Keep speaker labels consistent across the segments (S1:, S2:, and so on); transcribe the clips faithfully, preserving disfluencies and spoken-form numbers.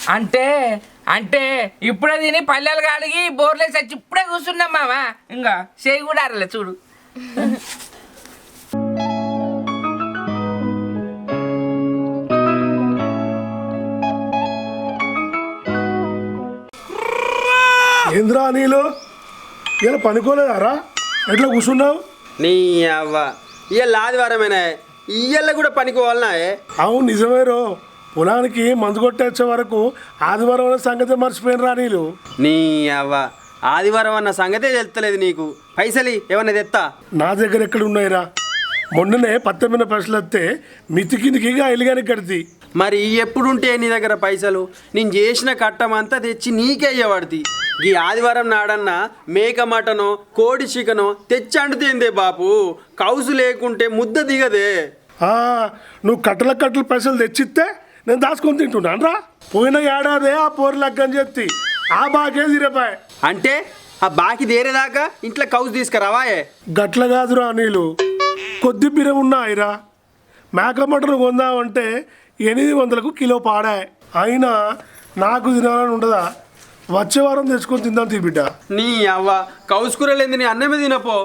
S1: అంటే అంటే ఇప్పుడే తిని పల్లెలు కాడిగి బోర్లేసి వచ్చి ఇప్పుడే కూర్చున్నాం మావా ఇంకా చేయి కూడా అరలే చూడు.
S2: ఏంద్రా నీళ్ళు ఇలా పనుకోలేదారా? ఎట్లా కూర్చున్నావు?
S3: నీ అవ్వ ఇవాళ ఆదివారమేనా? ఇయ్యల్ల కూడా పనికోవాలనా?
S2: అవును నిజమేరో. పొలానికి మందు కొట్టేచ్చే వరకు ఆదివారం అనే సంగతి మర్చిపోయినరా నీళ్ళు.
S3: నీ అవ్వ ఆదివారం అన్న సంగతే తెలుస్తలేదు నీకు. పైసలి ఏమన్నా తెత్తా?
S2: నా దగ్గర ఎక్కడ ఉన్నాయిరా? మొన్ననే పత్తెమ్మిన పైసలు వస్తే మితికినికిగా ఎలిగాని కడితి.
S3: మరి ఎప్పుడుంటే నీ దగ్గర పైసలు? నేను చేసిన కట్టమంతా తెచ్చి నీకే అయ్యబడితి. ఈ ఆదివారం నాడన్నా మేక మటనో కోడి చికెనో తెచ్చి అంటుతేందే బాపు. కౌసు లేకుంటే ముద్ద దిగదే.
S2: నువ్వు కట్టల కట్టల పైసలు తెచ్చిస్తే నేను దాచుకొని తింటున్నాను రా. పోయిన ఏడాదే ఆ పోరు లగ్గని చెప్తి ఆ బాకే తీరేపాయ.
S3: అంటే ఆ బాకి దేరేదాకా ఇంట్లో కౌసు తీసుకురావాయే?
S2: గట్ల కాదురా నీళ్ళు, కొద్ది బిరం ఉన్నాయిరా. మేక మటన్ కొందామంటే ఎనిమిది వందలకు కిలో పాడాయి. అయినా నాకు తినాలని ఉండదా? వచ్చే వారం తెచ్చుకొని తిందాం తీ బిడ్డ.
S3: నీ అవ్వ కౌసుకూరలేంది, నీ అన్నమే తినపో.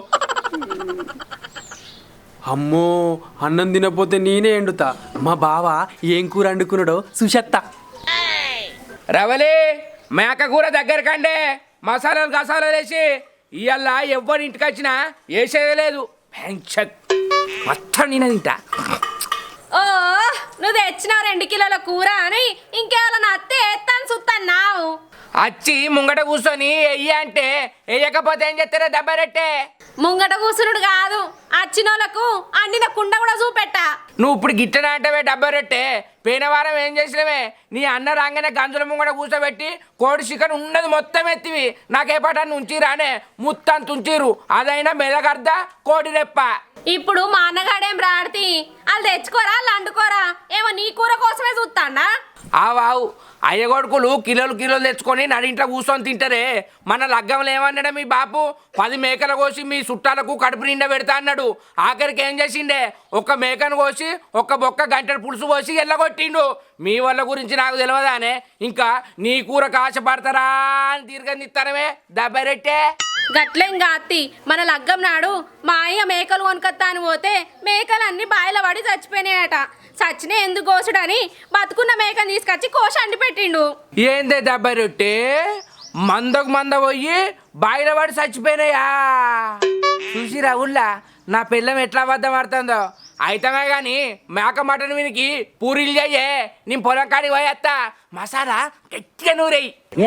S3: అమ్మో అన్నం తినపోతే నేనే ఎండుతా. మా బావ ఏం కూర వండుకున్నాడో సుషత్త.
S1: రవలి మేక కూర దగ్గరకండే మసాలాలు గసాలాలు వేసి ఇవాళ ఎవ్వరి ఇంటికి వచ్చినా వేసేదే లేదు. మొత్తం నేను తింటా.
S4: ఓ నువ్వు తెచ్చినావు రెండు కిలోల కూర అని ఇంకేమైనా అత్తే ఎత్తాను సుత్తన్నావు.
S1: వచ్చి ముంగట కూర్చొని వెయ్యి అంటే వేయకపోతే ఏం చేస్తారా దెబ్బరెట్టే?
S4: ముంగట కూసునుడు కాదు, అచ్చినోళ్ళకు అండిన కుండ కూడా చూపెట్టా.
S1: నువ్వు ఇప్పుడు గిట్టన అంటవే డబ్బరెట్టే. పోయిన వారం ఏం చేసినవే? నీ అన్న రాగానే గంజుల ముంగట కూర్చోబెట్టి కోడి చికెన్ ఉన్నది మొత్తం ఎత్తివి నాకే పటాన్ని ఉంచిరానే ముత్తం తుంచిరు. అదైనా మెదగర్దా కోడి రెప్ప.
S4: ఇప్పుడు మా అన్నగాడేం రాడితి వాళ్ళు తెచ్చుకోరా వాళ్ళు అండుకోరా ఏమో నీ కూర కోసమే చూస్తాడా?
S1: ఆవావు అయ్యగొడుకులు కిలోలు కిలోలు తెచ్చుకొని నడింట్లో కూర్చొని తింటారే. మన లగ్గంలో ఏమన్నాడా మీ బాపు? పది మేకలు కోసి మీ చుట్టాలకు కడుపు నిండా పెడతా అన్నాడు. ఆఖరికి ఏం చేసిండే? ఒక్క మేకను కోసి ఒక్క బొక్క గంటల పులుసు పోసి ఎల్లగొట్టిండు. మీ వాళ్ళ గురించి నాకు తెలియదానే? ఇంకా నీ కూర కాశపడతారా అని తీర్గనిస్తానమే దెబ్బరెట్టే.
S4: గట్లేం కాత్తి మన లగ్గం నాడు మా అయ్య మేకలు కొనుకొత్తా అని పోతే మేకలన్నీ బాయిల పడి చచ్చిపోయినాయట. చచ్చినే ఎందుకు కోసుడని బతుకున్న మేకను తీసుకొచ్చి కోసి అండి పెట్టిండు.
S1: ఏందే దెబ్బరెట్టే? మందకు మంద పోయి బాయిల పడి చచ్చిపోయినాయా? చూసిరా ఊళ్ళా నా పిల్లం ఎట్లా అబద్ధం ఆడుతుందో. అయితమే కానీ మేక మటన్ వీనికి పూరీలు చెయ్యే. నేను పొలం కాడికి పోయేస్తా. మసాలా గట్టిగా నూరేయి.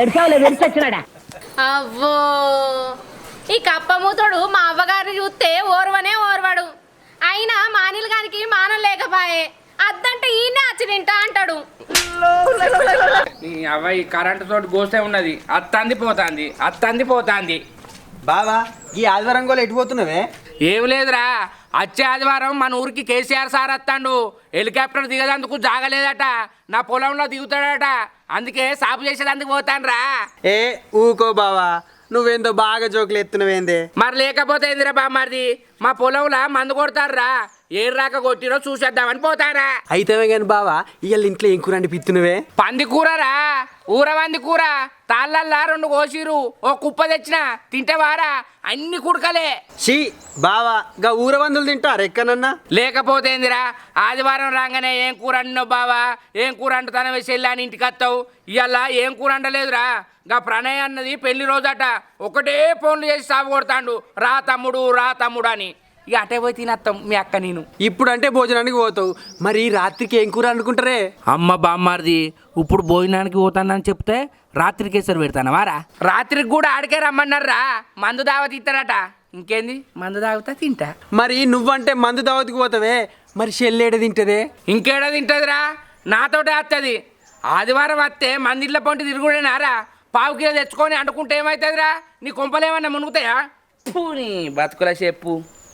S4: అవ్వో ఈ కప్పమూతుడు మా అవ్వగారిని చూస్తే ఓర్వనే ఓర్వాడు. అయినా మానిల్ గానికి మానం లేకపాయే. అద్దంటే ఈయనే వచ్చి తింటా అంటాడు.
S1: నీ అవ్వ ఈ కరెంటు తోటి గోసే ఉన్నది. అత్తంది పోతాంది అత్తంది పోతాంది.
S3: బావా ఈ ఆదివారం కూడా ఎటుపోతున్నావే?
S1: ఏం లేదురా, వచ్చే ఆదివారం మన ఊరికి కేసీఆర్ సార్ వస్తాడు. హెలికాప్టర్ దిగదందుకు జాగలేదట. నా పొలంలో దిగుతాడట. అందుకే సాపు చేసేదందుకు పోతాను రా.
S3: ఏ ఊకో బావా, నువ్వేందో బాగా జోకులు ఎత్తునవేందే?
S1: మరి లేకపోతే ఏందిరా బామ్మారిది? మా పొలంలో మందు కొడతారా? ఏ రాక కొట్టిరో చూసేద్దామని పోతారా.
S3: అయితేనే కానీ బావా ఇవాళ ఇంట్లో ఏం కూర అండి పిత్తునవే?
S1: పంది కూరరా, ఊర పంది కూర. తాళ్ళల్లా రెండు కోసిరు, ఓ కుప్ప తెచ్చిన తింటవారా? అన్ని కుడకలే.
S3: షీ బావా గా ఊర వందులు తింటారు ఎక్కడన్నా?
S1: లేకపోతే ఏందిరా, ఆదివారం రాగానే ఏం కూర అండినావు బావా, ఏం కూర అంటుతానో వెళ్ళి అని ఇంటికి వస్తావు. ఇవాళ ఏం కూర అండలేదురా. గా ప్రణయ్ అన్నది పెళ్లి రోజట. ఒకటే ఫోన్లు చేసి సాగు కొడతాండు, రా తమ్ముడు రా తమ్ముడు అని. ఇక అటే పోయి తినత్తాం మీ అక్క నేను.
S3: ఇప్పుడు అంటే భోజనానికి పోతావు, మరి రాత్రికి ఏం కూర అనుకుంటారే?
S1: అమ్మ బామ్మారిది, ఇప్పుడు భోజనానికి పోతానని చెప్తే రాత్రికి వేసరి పెడతాను వారా. రాత్రికి కూడా ఆడికే రమ్మన్నారా. మందు దావత్ ఇస్తారట. ఇంకేంది, మందు తాగుతా తింటా.
S3: మరి నువ్వంటే మందు దావతికి పోతావే, మరి చెల్లేడ తింటదే?
S1: ఇంకేడ తింటదిరా, నాతోటే వస్తుంది. ఆదివారం వస్తే మందిళ్ళ పొంటి తిరుగుడేనారా. పావు కిలో తెచ్చుకొని అంటుకుంటే ఏమవుతుందిరా? నీ కొంపలేమన్నా మునుగుతాయా? నీ బతుకుల చెప్పు.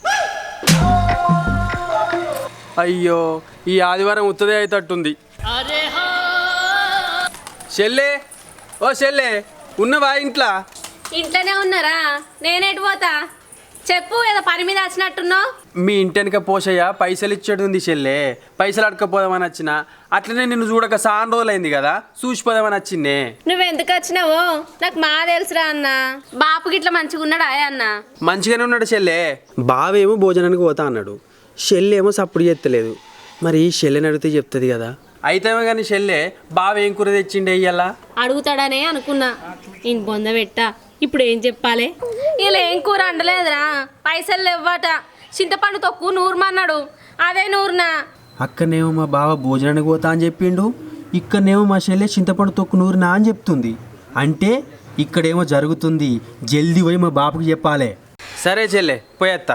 S3: అయ్యో ఈ ఆదివారం ఉత్తదే అయితట్టుంది. చెల్లే ఓ చెల్లే ఉన్నవా ఇంట్లో?
S4: ఇంట్లోనే ఉన్నారా? నేనేటి పోతా? చెప్పు ఏదో పని మీద వచ్చినట్టున్నావు.
S3: మీ ఇంటెనక పోషయ్య పైసలు ఇచ్చేది ఉంది చెల్లె, పైసలు అడకపోదామని వచ్చిన. అట్లనే నిన్ను చూడక చాలా రోజులైంది కదా, చూసిపోదామని వచ్చిందే.
S4: నువ్వెందుకు వచ్చినావో నాకు మా తెలుసురా అన్న. బాపు గిట్ల మంచిగా ఉన్నాడా అన్న?
S3: మంచిగానే ఉన్నాడు చెల్లె. బావేమో భోజనానికి పోతా అన్నాడు, చెల్లెమో సప్పుడు చేస్తలేదు. మరి చెల్లెని అడిగితే చెప్తుంది కదా. అయితేమో కానీ చెల్లె బావ ఏం కూర తెచ్చిండే ఇయ్యాల
S4: అడుగుతాడనే అనుకున్నా. ఈయన బొంద పెట్టా, ఇప్పుడు ఏం చెప్పాలి? ఇలా ఏం కూర అండలేదురా, పైసలు ఇవ్వట. చింతపండు తొక్కు నూరుమన్నాడు, అదే నూరునా.
S3: అక్కడనేమో మా బావ భోజనానికి పోతా అని చెప్పిండు, ఇక్కడనేమో మా చెల్లె చింతపండు తొక్కు నూరునా అని చెప్తుంది. అంటే ఇక్కడేమో జరుగుతుంది, జల్దీ పోయి మా బాబుకి చెప్పాలి. సరే చెల్లె పోయేత్తా.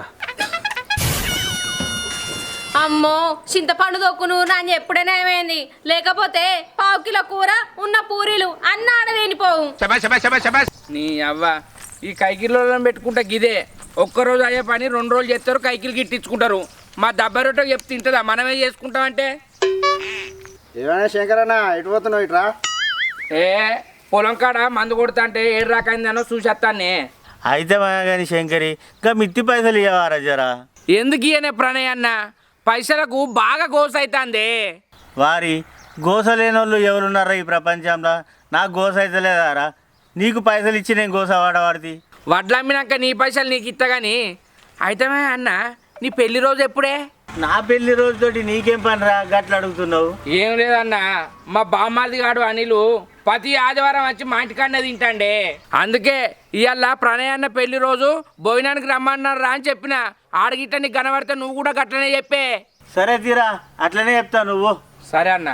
S4: అమ్మో చింతపండు తొక్కు నూరునా అని ఎప్పుడైనా ఏమైంది, లేకపోతే పావు కిలో కూర ఉన్న పూరీలు అన్న ఆడ తినిపోవు.
S1: నీ అవ్వ ఈ కైకిల్లో పెట్టుకుంటా గిదే. ఒక్కరోజు అయ్యే పని రెండు రోజులు చేస్తారు, కైకిలు గిట్టించుకుంటారు. మా దబ్బరొట్టో చెప్తే తింటుందా? మనమే చేసుకుంటామంటే.
S5: ఏమైనా శంకరన్న ఎటు పోతున్నావు ఇట్రా?
S1: ఏ పొలం కాడ మందు కొడతా అంటే ఏడు రాకైందనో చూసేస్తానే.
S6: అయితే కానీ శంకరి ఇంకా మిత్తి పైసలు ఇవ్వరా జరా.
S1: ఎందుకు ఇయనే ప్రణయ్ అన్న, పైసలకు బాగా గోస అవుతుంది.
S6: వారి గోస లేని వాళ్ళు ఎవరున్నారా ఈ ప్రపంచంలో? నాకు గోస అయితే లేదారా? నీకు పైసలు ఇచ్చి నేను గోస వాడవాడిది.
S1: వడ్లు అమ్మినాక నీ పైసలు నీకు ఇస్తా కానీ. అయితే అన్న నీ పెళ్లి రోజు ఎప్పుడే?
S6: నా పెళ్లి రోజుతోటి నీకేం పని రా గట్ల అడుగుతున్నావు?
S1: ఏం లేదన్న, మా బామ్మాది గాడు అనిలు ప్రతి ఆదివారం వచ్చి మా ఇంటికాడనే తింటాండే. అందుకే ఇవాళ ప్రణయ్ అన్న పెళ్లి రోజు భోజనానికి రమ్మన్నారు రా అని చెప్పిన. ఆడగిట్ట నీకు కనబడితే నువ్వు కూడా గట్లనే చెప్పే.
S6: సరే తీరా, అట్లనే చెప్తా నువ్వు.
S1: సరే అన్న.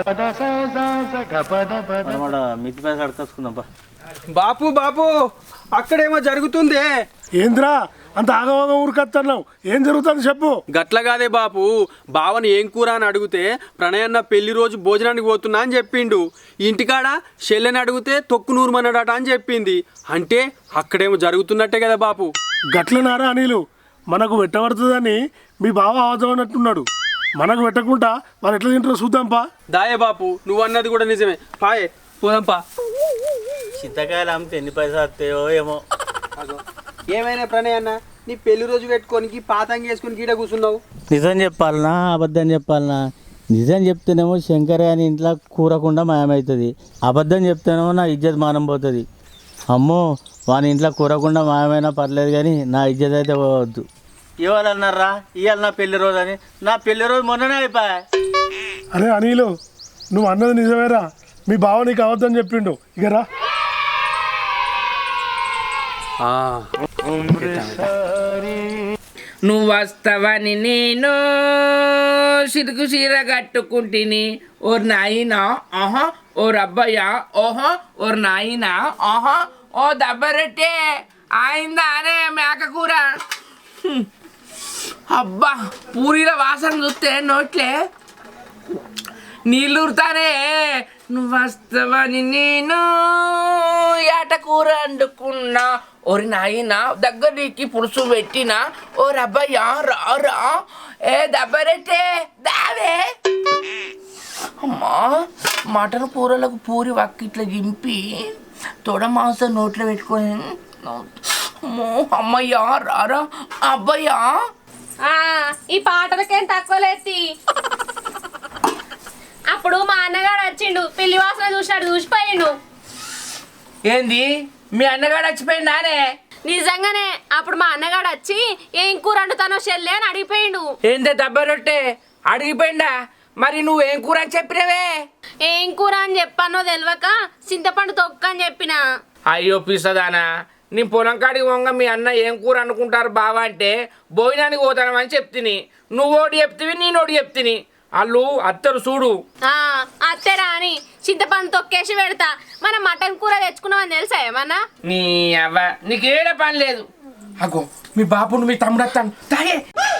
S6: మిత్తి పైసలు అడకొచ్చుకుందాం పా.
S3: బాపు బాపు అక్కడేమో జరుగుతుంది.
S2: ఏంద్రా అంత ఆగవాగం ఊరికొస్తున్నావు? ఏం జరుగుతుంది చెప్పు.
S3: గట్ల కాదే బాపు, బావని ఏం కూర అని అడిగితే ప్రణయన్న పెళ్లి రోజు భోజనానికి పోతున్నా అని చెప్పిండు. ఇంటికాడ చెల్లెని అడిగితే తొక్కు నూరుమన్నాడట అని చెప్పింది. అంటే అక్కడేమో జరుగుతున్నట్టే కదా బాపు.
S2: గట్లనారా అనిలు, మనకు పెట్టబడుతుందని మీ బావ ఆవజమన్నట్టున్నాడు. మనకు పెట్టకుండా వాళ్ళు ఎట్లా తింటారో చూద్దాంపా.
S3: దాయే బాపు, నువ్వు అన్నది కూడా నిజమే. పాయే పోదాంపా.
S6: చింతకాయలు అమ్మితే ఎన్ని పైసలు వస్తాయో ఏమో.
S3: ఏమైనా ప్రణయ్ అన్న, నీ పెళ్లి రోజు పెట్టుకోనికి పాతంగి వేసుకుని గీడ కూర్చున్నావు.
S6: నిజం చెప్పాలనా అబద్ధం చెప్పాలనా? నిజం చెప్తేనేమో శంకర్ అని ఇంట్లో కూరకుండా మాయమవుతుంది, అబద్ధం చెప్తేనేమో నా ఇజ్జత్ మానం పోతుంది. అమ్మో వాని ఇంట్లో కూరకుండా మాయమైనా పర్లేదు కానీ నా ఇజ్జత్ అయితే పోవద్దు. ఇవాళ అన్నారా ఇవాళ నా పెళ్లి రోజు అని? నా పెళ్లి రోజు మొన్ననే అయిపోయా.
S2: అరే అనిలు, నువ్వు అన్నది నిజమేరా, మీ బావ నీకు అవద్దని చెప్పిండు. ఇక రా.
S1: నువ్వు వస్తావని నేను సిరుకు సీర కట్టుకుంటుని. ఓర్ నాయినా ఆహా, ఓ రబ్బయ్య ఓహో, ఓర్ నాయినా ఆహా, ఓ దబ్బరెట్టే ఆయిందా అనే మేక కూర. హ్మ్. అబ్బా పూరీల వాసన చూస్తే నోట్లే నీళ్ళూరుతానే. నువ్వు వస్తావని నేను ఏట కూర వండుకున్నా. ఓరి నాయన దగ్గరికి పులుసు పెట్టినా. ఓ రబ్బయ్యా రా రా, ఏ దబ్బరెట్టే దావే. అమ్మా మటన్ కూరలకు పూరి వక్కిట్లా దింపి తొడ మాంసం నోట్లో పెట్టుకొని. అమ్మో అమ్మయ్యా రారా అబ్బయ్యా.
S4: ఈ పాటలకేం తక్కువ లేసి. అప్పుడు మా అన్నగాడు వచ్చిండు, పెళ్లి వాసన చూసినాడు, చూసిపోయిండు.
S1: ఏంది మీ అన్నగాడు వచ్చిపోయిందానే?
S4: నిజంగానే అప్పుడు మా అన్నగాడు వచ్చి ఏం కూర వండుతానో చెల్లె అని అడిగిపోయిండు.
S1: ఏందే దబ్బరొట్టే అడిగిపోయిందా? మరి నువ్వేం కూర అని చెప్పినవే?
S4: ఏం కూర అని చెప్పానో తెలియక చింతపండు తొక్క అని చెప్పిన.
S1: అయ్యో పిసదానా, నీ పొలం కాడికి పోగా మీ అన్న ఏం కూర అనుకుంటారు బావా అంటే భోజనానికి పోతానమని చెప్తిని. నువ్వోటి చెప్తివి నేనోటి చెప్తిని. వాళ్ళు అత్తరు చూడు.
S4: అత్తరా అని చింతపండు తొక్కేసి పెడతా. మనం మటన్ కూర తెచ్చుకున్నామని తెలుసా ఏమన్నా?
S1: నీ అవ్వ నీకేడ పని లేదు. అగో మీ బాపును మీ తమ్ముడు వస్తాను తాగే.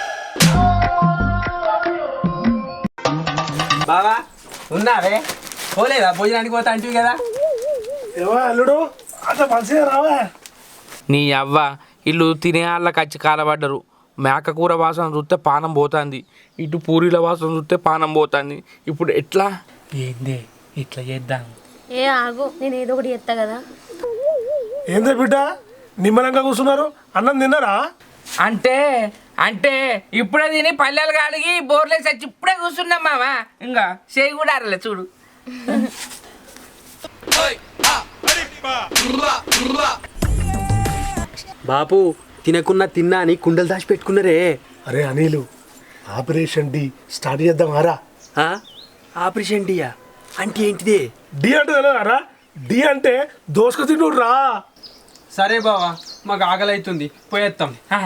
S3: బావా ఉన్నావే? పోలేదా భోజనానికి పోతా అంటివి కదా?
S2: ఏవా అల్లుడు అంత మంచిగా రావా?
S1: నీ అవ్వ ఇల్లు తినే వాళ్ళకి వచ్చి కాలబడ్డరు. మేక కూర వాసన చూస్తే పానం పోతుంది, ఇటు పూరీల వాసన చూస్తే పానం పోతుంది. ఇప్పుడు ఎట్లా? ఏందే ఇట్లా చేద్దాం.
S4: ఏ ఆగు, నేను ఏదో ఒకటి చెప్తా కదా.
S2: ఏందే బిడ్డ నిమ్మలంగా కూర్చున్నారు? అన్నం తిన్నారా?
S1: అంటే అంటే ఇప్పుడే తిని పల్లెలు కాడిగి బోర్లేసి వచ్చి ఇప్పుడే కూర్చున్నాం మామ ఇంకా చేయి కూడా అరలే చూడు.
S3: బాపు తినకున్నా తిన్నా అని కుండలు దాచి పెట్టుకున్నారే.
S2: అరే అనిలు, ఆపరేషన్ డి స్టార్ట్ చేద్దాం ఆరా.
S3: ఆ? ఆపరేషన్ డియా అంటే ఏంటిదే?
S2: డి అంటే తెలియదారా? డి అంటే దోసుకు తింటూ రా.
S3: సరే బావా, మాకు ఆకలి అవుతుంది, పోయేస్తాం.
S1: ఆ.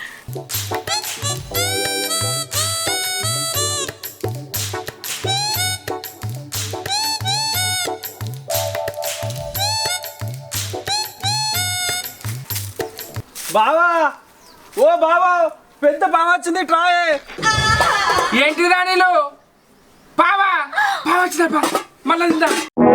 S3: బావా, ఓ బావా, పెద్ద బావ వచ్చింది, ట్రాయే.
S1: ఏంటి రాణిలు పావా పావా వచ్చినప్ప మళ్ళా తిందా.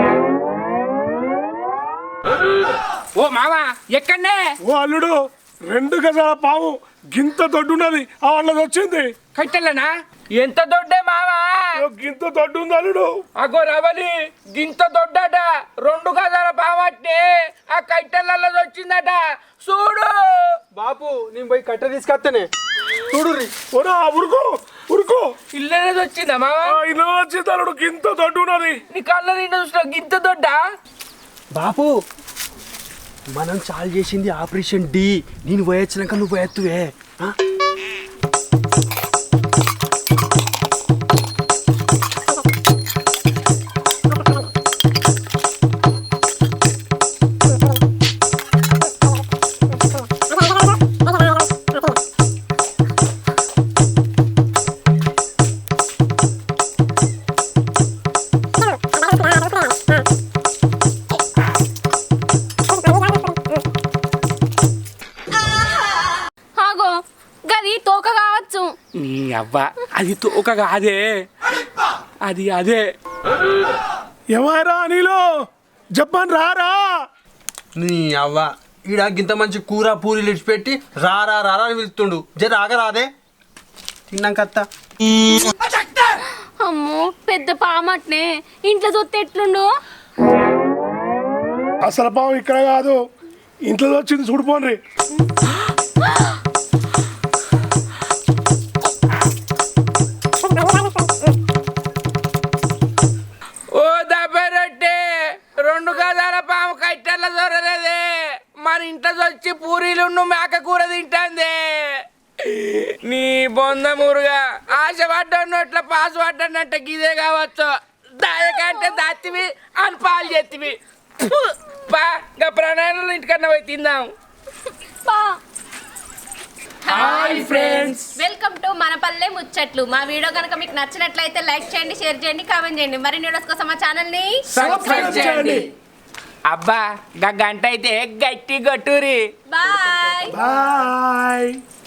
S1: ఓ మావా ఎక్కడనే?
S2: ఓ అల్లుడు, రెండు గజాల పాము గింత దొడ్డున్నది ఆ వాళ్ళది వచ్చింది.
S1: కట్టెలనా? ఎంత దొడ్డే మావా?
S2: ఓ గింత దొడ్డు ఉంది అల్లుడు.
S1: అగో రవలి గింత దొడ్డట, రెండు గదాల పావట్నే ఆ కట్టెలలో వచ్చిందట చూడు.
S3: బాపు నేను పోయి కట్ట తీసుకొస్తానే, చూడు.
S2: ఓరా ఉరుకో ఉరుకో.
S1: ఇల్లనేది వచ్చిందా మావా?
S2: ఆ ఇల్లు వచ్చింది అల్లుడు, గింత దొడ్డు ఉన్నది.
S1: నీ కళ్ళ నిండా చూసిన గింత దొడ్డా?
S3: బాపు మనం చాలు చేసింది ఆపరేషన్ డి. నేను పోయొచ్చినాక నువ్వు పోయెత్తువే. ఆ?
S4: ఆగో గది తోక కావచ్చు.
S1: నీ అవ్వ అది తోక కాదే, అది అదే.
S2: ఏమారా అనిలు, చెప్పని రారా.
S3: నీ అవ్వ ఈడ గింత మంచి కూర పూరీలు ఇడిచిపెట్టి రారా రారా అని పిలుస్తుండు. జర ఆగరాదే, తిన్నాకత్తా.
S4: అమ్మో పెద్ద పామట్నే, ఇంట్లో చూస్తే ఎట్లుండు?
S2: అసలు పాము ఇక్కడ కాదు, ఇంట్లో వచ్చింది చూడిపోండి.
S1: ఓ దబ్బరొట్టే, రెండు గదాల పాము కట్టెల దొరలేదే, మన ఇంట్లో వచ్చి పూరీలు మేక కూర తింటాందే. నీ బొంద మురుగా ఆశ పడ్డన్నట్ల పాసు పడ్డన్నట్ట గిదే కావచ్చు. దాయకంటే దాత్తివి అని పాలు చేతివి. పా ఇంకా ప్రణాళికలు ఇంటికన్నా పోయి తిందాం.
S4: బా
S1: హాయ్ ఫ్రెండ్స్,
S4: వెల్కమ్ టు మన పల్లె ముచ్చట్లు. మా వీడియో కనుక మీకు నచ్చినట్లయితే లైక్ చేయండి, షేర్ చేయండి, కామెంట్ చేయండి. మరిన్ని వీడియోస్ కోసం మా ఛానల్ ని
S1: సబ్స్క్రైబ్ చేయండి. అబ్బా గా గంట అయితే గట్టి గట్టురి.
S4: బాయ్.
S2: బాయ్.